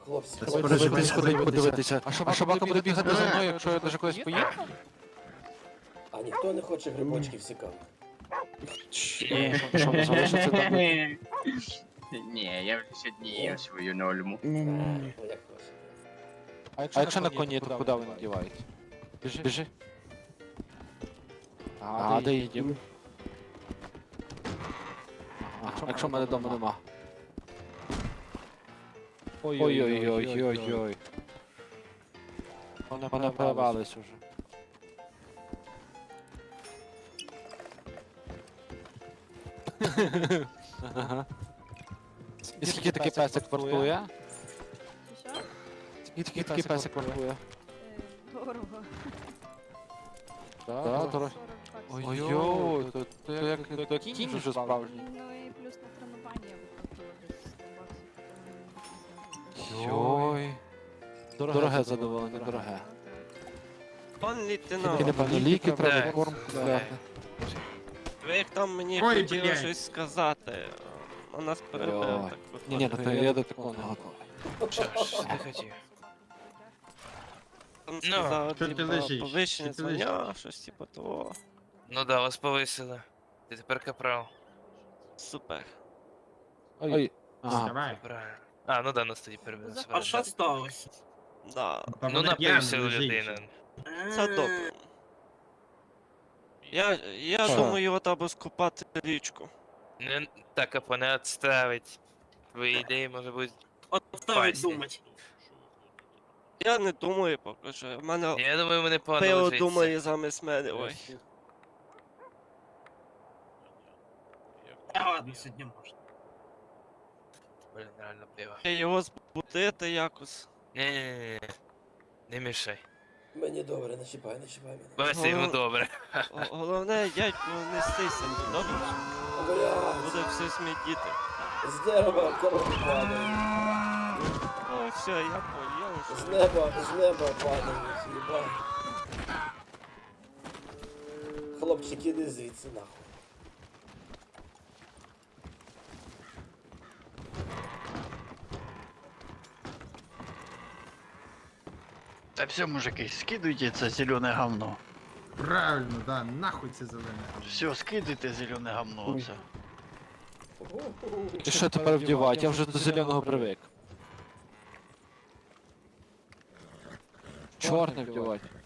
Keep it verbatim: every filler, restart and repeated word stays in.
Хлопці, Треба хлопці, десь сходить подивитися. А собака, собака буде бігати за мною, якщо я даже кудись поїду? а ніхто не хоче грибочків цікавих? Ні, що не залишиться там? Ні, я вже сьогодні їв свою норму. А, ну як хочете. А якщо на коні, то куди він дівається? Біжи, біжи. А, де їдемо? А якщо в мене вдома нема? Ой-ой-ой-ой-ой-ой. Вони мене порвались уже. Ага. І скільки такий песик вартує? Що? Скільки такий песик вартує? Е, Дорого. Так, дорого. сорок баксів. Ой-ой, то то як то кінь вже справжній. Ну і плюс на тренування виходило десь сто баксів. Йой. Дороге задоволення, дороге. Пан Тільки, лейтенант, напевно, ліки треба, Так. корм купляти. ви як там мені Ой, хотіли блядь. щось сказати, а нас перебив, Ой. так Ні, ні, виходить. ну то я до такого не готовий. Що ж ти хотів? Там Ну, сказав, що ти типа, лежиш? повищення Що ти лежиш? звання, щось типу того. Ну да, вас повисили. Ти тепер капрал. Супер. Ой. Ага. Давай. Правильно. А, ну да, нас тоді перебили. А що сталося? Да, Ну напився людина. це добре. Я, я Що? думаю, от або скупати річку. Не так, а не відставить. Твої ідеї може бути. От ставить Пасні. думать. Я не думаю поки що. У мене Я думаю, мене погано пиво лежиться. думає замість мене, ой. Та ладно, сьогодні можна. Блін, реально пиво. Я його збудити якось. Ні-ні-ні. Не мішай. Мені добре, не чіпай, не чіпай мене. Бачите, йому добре. Г- Головне, дядьку, не стися, добре? Бля, Буде все смітіти. з дерева коротко падає. О, все, я поняв. З неба, з неба падають, їбать. Хлопчик, іди звідси нахуй. Та все, мужики, скидуйте це зелене говно. Правильно, да, нахуй це зелене. Все, скидуйте зелене говно оце. І що тепер вдівати? Я вже до зеленого привик. Чорне вдівати.